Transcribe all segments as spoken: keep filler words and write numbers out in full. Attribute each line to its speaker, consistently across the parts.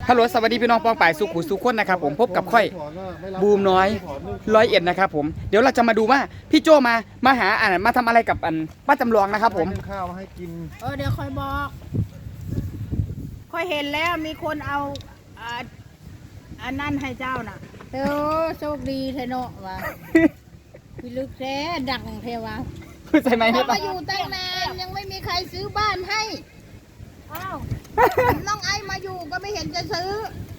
Speaker 1: ฮัลโหลสวัสดีพี่น้องปองป่ายสุขุสุขคนนะครับผมพบกับค่อยบูมน้อยร้อยเอ็ดนะครับผมเดี๋ยวเราจะมาดูว่าพี่โจมามาหาอ่านมาทำอะไรกับอันป้าจำลองนะครับผม
Speaker 2: ข้าวมาให้กิน
Speaker 3: เออเดี๋ยวค่อยบอกค่อยเห็นแล้วมีคนเอาอ่าอันนั้นให้เจ้าน่ะเออโชคดีเทโนะวะพี่ลึกแท้ดังเทวะ
Speaker 1: ใช่ไหม
Speaker 3: เรามาอยู่ตั้งนานยังไม่มีใครซื้อบ้านให้อ้าวน้องไอมาอยู่ก็ไม่เห็นจะซื้อ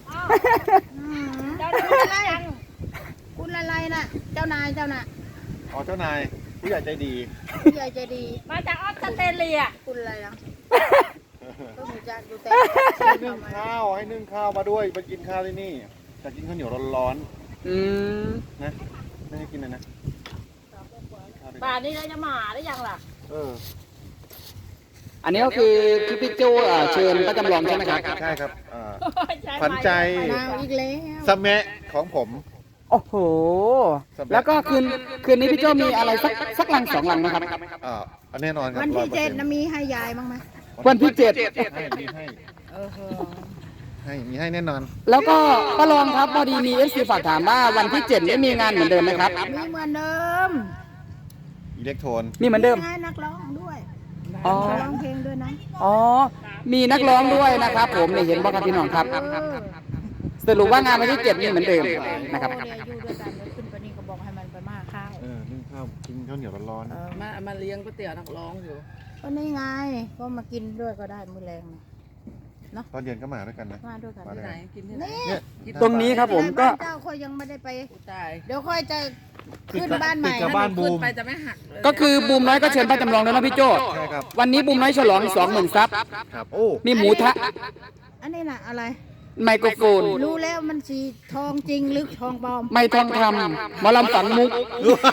Speaker 3: เจ้านายอะไรคุณอะไรน่ะเจ้านายเจ้าน่ะ
Speaker 2: อ๋อเจ้านายผู้ใหญ่ใจดี
Speaker 3: ผู้ใหญ่ใจดี
Speaker 4: มาจากออสเตรเลีย
Speaker 3: คุณอะไรนะก็หนูจะดูแต่
Speaker 2: ให้นึ่งข้าวให้นึ่งข้าวมาด้วยมากินข้าวที่นี่จะกินข้าวเหนียวร้อน
Speaker 1: อืม
Speaker 2: ๆนะไม่ให้กินเลยนะข้าวดิ
Speaker 4: ป่านนี้เราจะมาได้ยังล่ะ
Speaker 2: เออ
Speaker 1: อันนี้ก็คือคือพี่โจอ่าเชิญป้าจำลองใช่ไหมครับ
Speaker 2: ใช่ครับอ่า
Speaker 4: ใช่
Speaker 2: ขวัญใจ
Speaker 3: มาวอีกแล้ว
Speaker 2: สะแมะของผม
Speaker 1: โอ้โหแล้วก็คืนคืนนี้พี่โจมีอะไรสักสักลังสองลังนะครับ
Speaker 2: อ่าอันแน่นอนครับ
Speaker 3: วันที่เจ็ด
Speaker 2: ร้อยปอร์ซ็นต์
Speaker 3: นะมีให้ยายบ้างไหม
Speaker 1: วันที่เจ็ด
Speaker 2: ให้มีให้
Speaker 3: เออ
Speaker 2: ให้มีให้แน่นอน
Speaker 1: แล้วก็ป้ารองครับพอดีมีเอฟซีฝากถามว่าวันที่เจ็ดนี้มีงานเหมือนเดิมไหมครับ
Speaker 3: มีเหมือนเดิม
Speaker 2: อิเล็กโทน
Speaker 1: มีเหมือนเดิม
Speaker 3: ให้นักร้องด้วย
Speaker 1: อ๋อ
Speaker 3: ร้องเพลงด้วยนะ
Speaker 1: อ๋อมีนักร้องด้วยนะครับ ผมนี่เห็นบอกครับพี่น้องครับ
Speaker 3: เออ
Speaker 1: สรุปว่างานวันที่เจ็ดมีเหมือนเดิมนะครับ
Speaker 3: โอ้เนี่ยอยู่ด้วยกันเดี๋ยวขึ้นไปนี่ก็บอกให้มันไปมาข้าว
Speaker 2: เออนึ่งข้าวกินข้าวเหนียวร้อน
Speaker 3: เออ
Speaker 4: มามาเลี้ยงก๋วยเตี๋ยวนักร้องอยู่
Speaker 3: ก็นี่ไงก็มากินด้วยก็ได้มื้อแรงนะ
Speaker 2: ๆตอนเย็นก็มาด้วยกันนะ
Speaker 3: มาด้วยกัน
Speaker 2: มาด้วย
Speaker 4: ไหน
Speaker 2: กัน
Speaker 4: กินที่ไหน
Speaker 3: นี่
Speaker 2: เนี่ย
Speaker 1: ตรงนี้ครับผมก็
Speaker 3: เจ้าค่อยยังไม่ได้ไป
Speaker 4: กูตาย
Speaker 3: เดี๋ยวค่อยจะขึ้นบ้านใหม่
Speaker 2: ติดกับบ้านบูม
Speaker 4: ไปจะไม่หักเลย
Speaker 1: ก็คือบูมน้อยก็เชิญป้าจำลองแล้วนะพี่โจ
Speaker 2: ใช่ครับ
Speaker 1: วันนี้บูมน้อยฉลองสองหมื่นซับ
Speaker 2: ครับโอ้
Speaker 1: มีหมูทะ
Speaker 3: อันนี้น่ะอะไร
Speaker 1: ไมโครโฟน
Speaker 3: รู้แล้วมันสีทองจริงหรือทองปลอม
Speaker 1: ไม่ทองคำหมอลำฝังมุก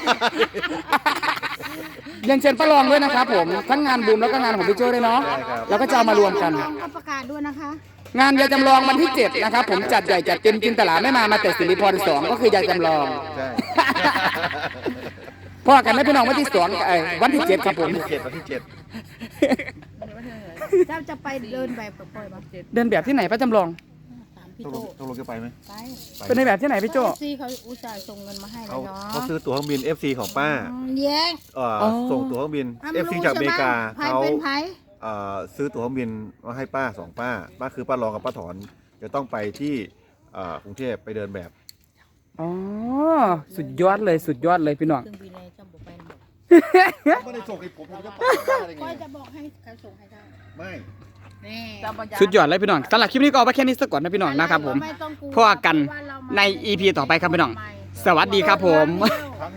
Speaker 1: ยังเชิญป้ารองด้วยนะครับผมทั้งงานบูมแล้วก็งานของพี่โจด้วยเนาะแล้วก็จะเอามารวมกัน
Speaker 3: ทองก็ประกาศด้วยนะคะ
Speaker 1: งานยายจำลองวันที่เจ็ดนะครับผมจัดใหญ่จัดเต็มจินตลาไม่มามาแต่สิริพรสองก็คือยายจำลอง
Speaker 2: ใช่
Speaker 1: พ่อกันไม่พี่น้องวันที่สองเอ้ยวันที่เจ็ดครับผม
Speaker 2: วันที่เจ็ดวันที่เจ็ด
Speaker 3: เจ้าจะไปเดินแบบปล่อยมา
Speaker 1: เดินแบบที่ไหนป้าจำลอง
Speaker 3: ตามพี่
Speaker 2: ตก
Speaker 3: โต
Speaker 2: ลงตกลงจะไปไหม
Speaker 3: ไป
Speaker 1: เป็นในแบบที่ไหนพี่โจ
Speaker 3: ซีเขาอุตส่าห์ส่งเงินมาให้แล้
Speaker 2: เขา
Speaker 3: วเนาะ
Speaker 2: เขาซื้อตั๋วเครื่องบิน เอฟ ซี ของป้า
Speaker 3: อืมแย่ง
Speaker 2: เอ่อ
Speaker 1: อ๋อ
Speaker 2: ส่งตั๋วเครื่องบิน
Speaker 3: อ่ะ
Speaker 2: เอฟ ซี
Speaker 3: รู้
Speaker 2: จากอเมริกา
Speaker 3: ใช่ไหม
Speaker 2: เขา
Speaker 3: ไผเป็นไผ
Speaker 2: เอ่อซื้อตั๋วเครื่องบินมาให้ป้าสองป้าป้าคือป้ารองกับป้าถอนจะต้องไปที่เอ่อกรุงเทพไปเดินแบบ
Speaker 1: อ๋อสุดยอดเลยสุดยอดเลยพี่น้อง
Speaker 3: เครื่องบินเลยจำบอกไปหมด
Speaker 2: ไม่ได้ส่งให้ผมผมจะไปได้ไง
Speaker 3: ก็จะบอกให้เขาส่งให้ได้
Speaker 2: ไม่
Speaker 3: นี่
Speaker 1: สุดยอดเลยพี่น้องสำหรับคลิปนี้ก็เอาไว้แค่นี้สักก่อนนะพี่น้องนะครับผม
Speaker 3: ไม่ต้องกลัว
Speaker 1: พอกัน
Speaker 3: เพราะว่าเรามา
Speaker 1: ใน อี พี ต่อไปครับพี่น้อง สวัสดีครับผม
Speaker 3: เร็ว